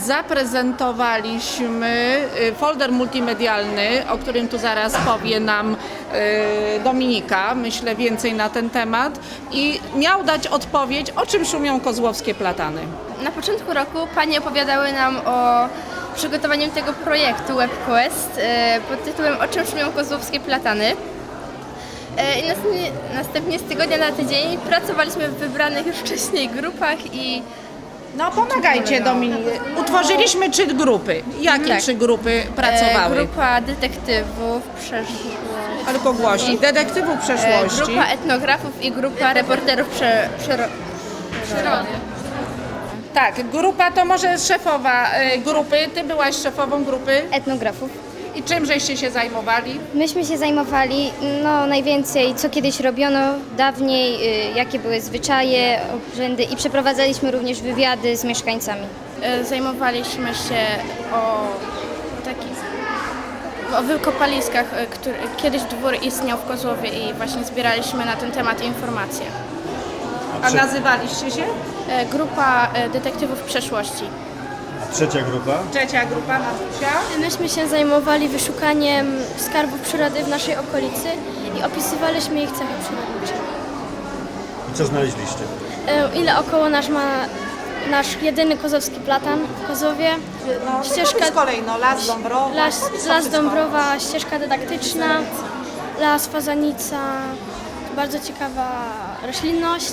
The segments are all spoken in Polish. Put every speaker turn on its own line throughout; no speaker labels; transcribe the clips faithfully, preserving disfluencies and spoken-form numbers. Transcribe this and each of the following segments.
zaprezentowaliśmy folder multimedialny, o którym tu zaraz powie nam Dominika, myślę więcej na ten temat, i miał dać odpowiedź, o czym szumią kozłowskie platany.
Na początku roku panie opowiadały nam o przygotowaniu tego projektu WebQuest pod tytułem O czym szumią kozłowskie platany. I następnie, następnie z tygodnia na tydzień pracowaliśmy w wybranych już wcześniej grupach i...
No pomagajcie Dominiku. Utworzyliśmy trzy grupy. Jakie
Tak.
trzy grupy pracowały?
Grupa detektywów przeszłości.
Ale głośniej. Detektywów przeszłości.
Grupa etnografów i grupa reporterów prze, przero, przyrody.
Tak, grupa to może szefowa y, grupy. Ty byłaś szefową grupy.
Etnografów.
I czym żeście się zajmowali?
Myśmy się zajmowali no, najwięcej, co kiedyś robiono dawniej, y, jakie były zwyczaje, obrzędy i przeprowadzaliśmy również wywiady z mieszkańcami.
Zajmowaliśmy się o takich o wykopaliskach, który kiedyś dwór istniał w Kozłowie i właśnie zbieraliśmy na ten temat informacje.
A nazywaliście się?
Grupa detektywów przeszłości.
Trzecia grupa?
Trzecia grupa, Matusia.
Myśmy się zajmowali wyszukaniem skarbów przyrody w naszej okolicy i opisywaliśmy ich cechy przyrodnicze.
I co znaleźliście?
E, Ile około nasz ma nasz jedyny kozowski platan w Kozowie.
No,
Ścieżka-
z kolei, no, Las Dąbrowa.
Las,
co
las
wszystko?
Dąbrowa, ścieżka dydaktyczna, las Fazanica, bardzo ciekawa roślinność.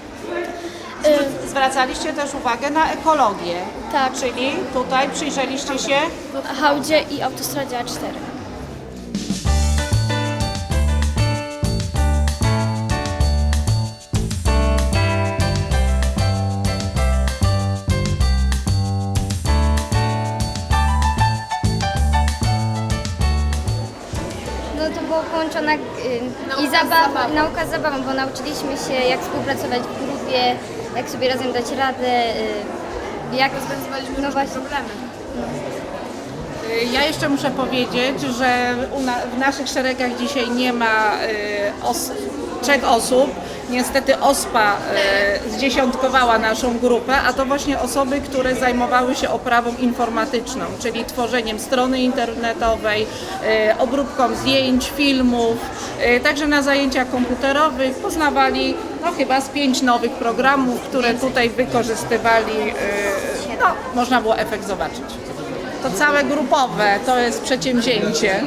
E,
Zwracaliście też uwagę na ekologię.
Tak,
Czyli tutaj przyjrzeliście się.
w Hałdzie i autostradzie A cztery.
No to było połączona y, i zabawa, nauka z zabawą, bo nauczyliśmy się jak współpracować w grupie, jak sobie razem dać radę, y, jak rozwiązywaliśmy no właśnie problemy.
Ja jeszcze muszę powiedzieć, że u na, w naszych szeregach dzisiaj nie ma y, os, trzech osób. Niestety OSPA y, zdziesiątkowała naszą grupę, a to właśnie osoby, które zajmowały się oprawą informatyczną, czyli tworzeniem strony internetowej, y, obróbką zdjęć, filmów. Y, także na zajęciach komputerowych poznawali no, chyba z pięć nowych programów, które tutaj wykorzystywali. Y, no, można było efekt zobaczyć. To całe grupowe, to jest przedsięwzięcie.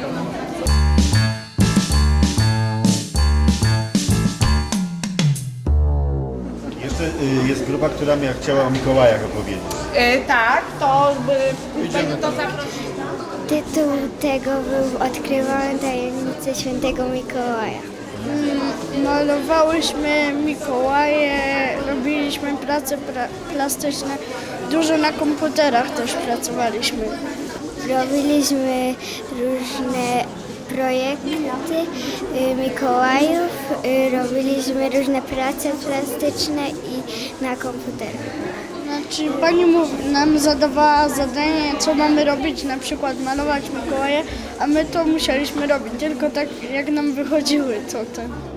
Jeszcze y, jest grupa, która miała, chciała o Mikołajach opowiedzieć.
E, tak, to by,
Idziemy
to
tam.
zaprosimy.
Tytuł tego był Odkrywamy tajemnicę świętego Mikołaja.
Malowałyśmy Mikołaje, robiliśmy prace pra- plastyczne, dużo na komputerach też pracowaliśmy.
Robiliśmy różne projekty y, Mikołajów, y, robiliśmy różne prace plastyczne i na komputerach.
Znaczy pani mów- nam zadawała zadanie, co mamy robić, na przykład malować Mikołaje, a my to musieliśmy robić, tylko tak jak nam wychodziły co te.